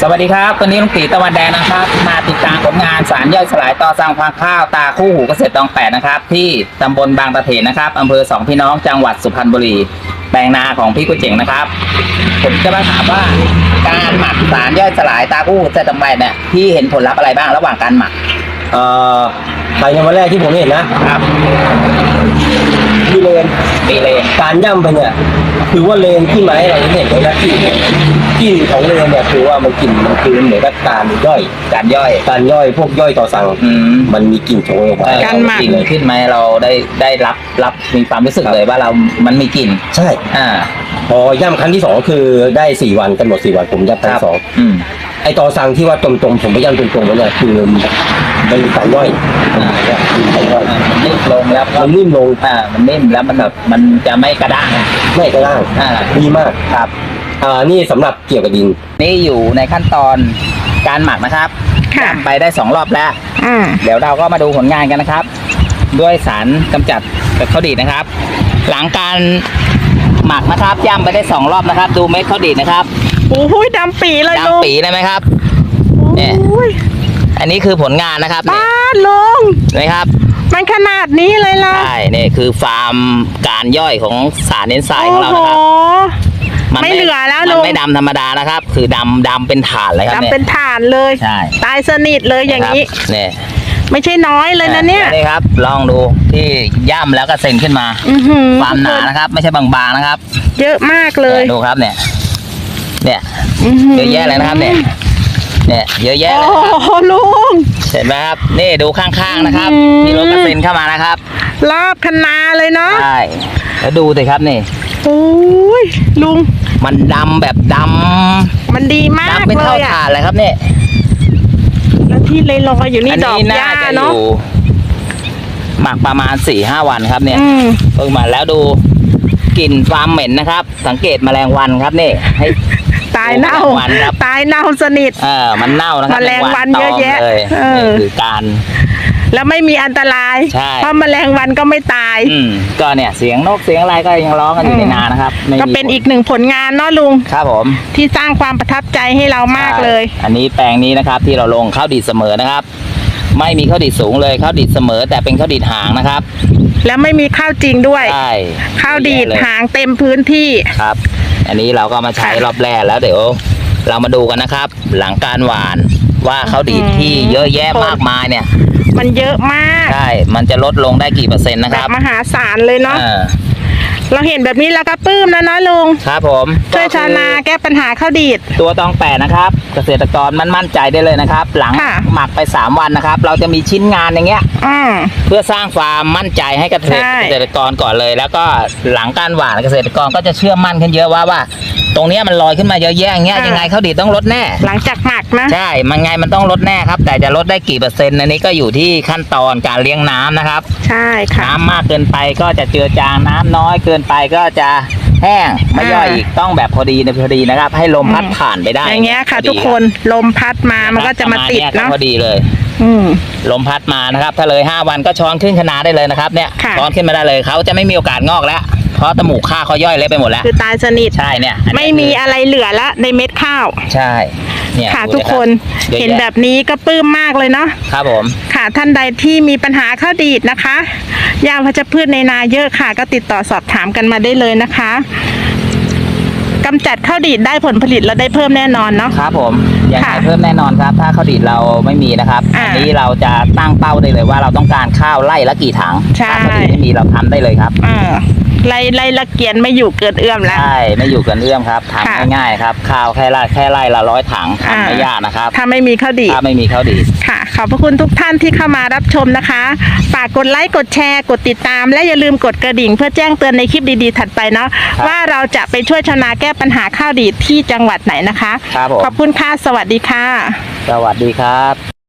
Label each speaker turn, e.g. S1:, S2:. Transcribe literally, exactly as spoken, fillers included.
S1: สวัสดีครับวันนี้ลุงตีตะวันแดงนะครับมาติดตามผลงานสารย่อยสลายต่อสั่งพังข้าวตาคู่หูเกษตรตองแปดนะครับที่ตำบลบางตะเถนนะครับอำเภอสองพี่น้องจังหวัดสุพรรณบุรีแปลงนาของพี่กุ้ยเจ๋งนะครับผมจะมาถามว่าการหมักสารย่อยสลายตาคู่หูเกษตรตองแปดเนี่ยพี่เห็นผลลัพธ์อะไรบ้างระหว่างการหมัก
S2: เอ่อภายในวันแรกที่ผมเห็นนะครับมีเลน
S1: ปีเลน
S2: การย่ำไปเนี่ยคือว่าเลนที่ไม้เราเห็นเลยนะที่กลิ่นของเลนเนี่ยคือว่ามันกลิ่นมันคือเหมือนกับการย่อย
S1: การย่อย
S2: การย่อยพวกย่อยต่อสั่งมันมีกลิ่นโชยออกมา
S1: การหมักกลิ่นขึ้นไหมเราได้ได้รับรับมีความรู้สึกเลยว่าเรามันมีกลิ่น
S2: ใช่
S1: อ่า
S2: พอย่ำครั้งที่สองคือได้สี่วันกำหนดสี่วันผมย่ำครั้งสองไอต่อสั่งที่ว่าตรงๆผมไปย่ำตรงๆแล้วเนี่ยคือมันมีการย่อย
S1: มันนิ่มลงแล้ว
S2: มันนิ่มลง
S1: อ่ามันนิ่มแล้วมันแบบมันจะไม่กระด้าง
S2: ไม่กระด้าง
S1: อ่า
S2: ดีมาก
S1: ครับ
S2: อ่านี่สำหรับเกี่ยวกับดิน
S1: นี่อยู่ในขั้นตอนการหมักนะครับย่ำไปได้สองรอบแล้วเดี๋ยวเราก็มาดูผลงานกันนะครับด้วยสารกำจัดข้าวดีดนะครับ หลังการหมักนะครับย่ำไปได้สองรอบนะครับดูเม็ดข้าวดีดนะครับ
S3: โอ้โหดำปีเลยลุง
S1: ดำปีเลยไหมครับเนี่ยอันนี้คือผลงานนะครับ
S3: ป้าลุง
S1: นะครับ
S3: มันขนาดนี้เลยล่ะ
S1: ใช่นี่คือฟาร์มการย่อยของสารเอนไซม์ของเรานะครับ
S3: ไม่เหลือแล้วลุง
S1: มันไม่ดำธรรมดานะครับคือดำดำเป็นถ่านเลยครับ
S3: ดำเป็นถ่านเลย
S1: ใช่
S3: ตายสนิทเลยอย่างนี้
S1: เนี่ย
S3: ไม่ใช่น้อยเลยนะเนี่ย
S1: นี่ครับลองดูที่ย่ำแล้วก็เซ็นขึ้นมาความหนานะครับไม่ใช่บางๆนะครับ
S3: เยอะมากเลย
S1: ดูครับเนี่ยเนี่ยเยอะแยะเลยนะครับเนี่ยเนี่ยเยอะแยะเลยครับ
S3: โอ้ลุง
S1: เห็นไหมครับนี่ดูข้างๆนะครับมีรถกระเซ็นเข้ามานะครับ
S3: รอบคันนาเลยเนาะ
S1: ใช่แล้วดูสิครับนี่
S3: โอ้ยลุง
S1: มันดำแบบดำ
S3: มันดีมาก
S1: เลยดำเป็นเท่าถ่านเลยครับเนี่ย
S3: แล้วที่เลยลอยอยู่นี่ดอกหญ้าเนาะ
S1: หมักประมาณสี่ห้าวันครับเนี่ยเพิ่งมาแล้วดูกลิ่นฟาร์มเหม็นนะครับสังเกตแมลงวันครับนี่ให้
S3: ตายเน่าตายเน่าสนิท
S1: เออมันเน่านะครับ
S3: แมลงวันเยอะแยะ
S1: นี่คือการ
S3: แล้วไม่มีอันตรายเพราะแมลงวันก็ไม่ตาย
S1: อืมก็เนี่ยเสียงนกเสียงอะไรก็ยังร้องกันอยู่ในนานะครับ
S3: ก็เป็นอีกหนึ่งผลงานเนาะลุง
S1: ครับผม
S3: ที่สร้างความประทับใจให้เรามากเลย
S1: อันนี้แปลงนี้นะครับที่เราลงข้าวดีดเสมอนะครับไม่มีข้าวดีดสูงเลยข้าวดีดเสมอแต่เป็นข้าวดีดหางนะครับ
S3: แล้วไม่มีข้าวจริงด้วย
S1: ใช่
S3: ข้าวดีดหางเต็มพื้นที่
S1: ครับอันนี้เราก็มาใช้รอบแรกแล้วเดี๋ยวเรามาดูกันนะครับหลังการหว่านว่าข้าวดีดที่เยอะแยะมากมายเนี่ย
S3: มันเยอะมาก
S1: ใช่มันจะลดลงได้กี่เปอร์เซ็นต์นะครับ
S3: มหาศาลเลยเนาะเราเห็นแบบนี้แล้วก็ปลื้มแล้วเนาะลุง
S1: ครับผม
S3: ช่วยชาวนาแก้ปัญหาข้าวดีด
S1: ตัวตองแปดนะครับเกษตรกรมันมั่นใจได้เลยนะครับหลังหมักไปสามวันนะครับเราจะมีชิ้นงานอย่างเงี้ยเพื่อสร้างความมั่นใจให้กับเกษตรกรก่อนเลยแล้วก็หลังการหว่านเกษตรกรก็จะเชื่อมั่นขึ้นเยอะว่าว่าตรงนี้มันลอยขึ้นมาเยอะแยะอย่างเงี้ยยังไงข้าวดีดต้องลดแน่
S3: หลังจากหมักนะ
S1: ใช่มันไงมันต้องลดแน่ครับแต่จะลดได้กี่เปอร์เซ็นต์อันนี้ก็อยู่ที่ขั้นตอนการเลี้ยงน้ำนะครับ
S3: ใช่ค่ะ
S1: น้ำมากเกินไปก็จะเจือจางน้ำน้อยเกินไปก็จะแห้งไม่ย่อยอีกต้องแบบพอดีในพอดีนะครับให้ลมพัดผ่านไปได้
S3: อย่างเงี้ยค่ะทุกคนลมพัดมามันก็จะมาติดเนาะ
S1: พอดีเลยลมพัดมานะครับถ้าเลยห้าวันก็ช้อนขึ้นคณะได้เลยนะครับเนี่ยช้อนขึ้นมาได้เลยเขาจะไม่มีโอกาสงอกแล้วเพราะตะหมูข้าวเขาย่อยเละไปหมดแล้ว
S3: คือตายสนิท
S1: ใช่เนี่ย
S3: ไม่มีอะไรเหลือละในเม็ดข้าว
S1: ใช่
S3: เนี่ยค่ะทุกคนเห็นแบบนี้ก็ปลื้มมากเลยเนาะ
S1: ครับผม
S3: ค่ะท่านใดที่มีปัญหาข้าวดีดนะคะยาวัชพืชในนาเยอะค่ะก็ติดต่อสอบถามกันมาได้เลยนะคะกำจัดข้าวดีดได้ผลผลิตเราได้เพิ่มแน่นอนเนาะ
S1: ครับผมยังไงเพิ่มแน่นอนครับถ้าข้าวดีดเราไม่มีนะครับอันนี้เราจะตั้งเป้าได้เลยว่าเราต้องการข้าวไร่ละกี่ถังถ้าข้าวดีดไม่มีเราทำได้เลยครับ
S3: อ่าไล่ไล่ละเกียนไม่อยู่เกินเอื้อมแล้ว
S1: ใช่ไม่อยู่เกินเอื้อมครับทำง่ายๆครับข้าวแค่ไร่แค่ไร่ละร้อยถังทำไม่ยากนะครับ
S3: ถ้าไม่มีข้าวดีด
S1: ถ้าไม่มีข้าวดีด
S3: ค่ะขอบพระคุณทุกท่านที่เข้ามารับชมนะคะฝากกดไลค์กดแชร์กดติดตามและอย่าลืมกดกระดิ่งเพื่อแจ้งเตือนในคลิปดีๆถัดไปเนาะว่าเราจะไปช่วยชาวนาแก้ปัญหาข้าวดีดที่จังหวัดไหนนะคะ
S1: ครับ
S3: ขอบคุณค่ะสวัสดีค่ะ
S1: สวัสดีครับ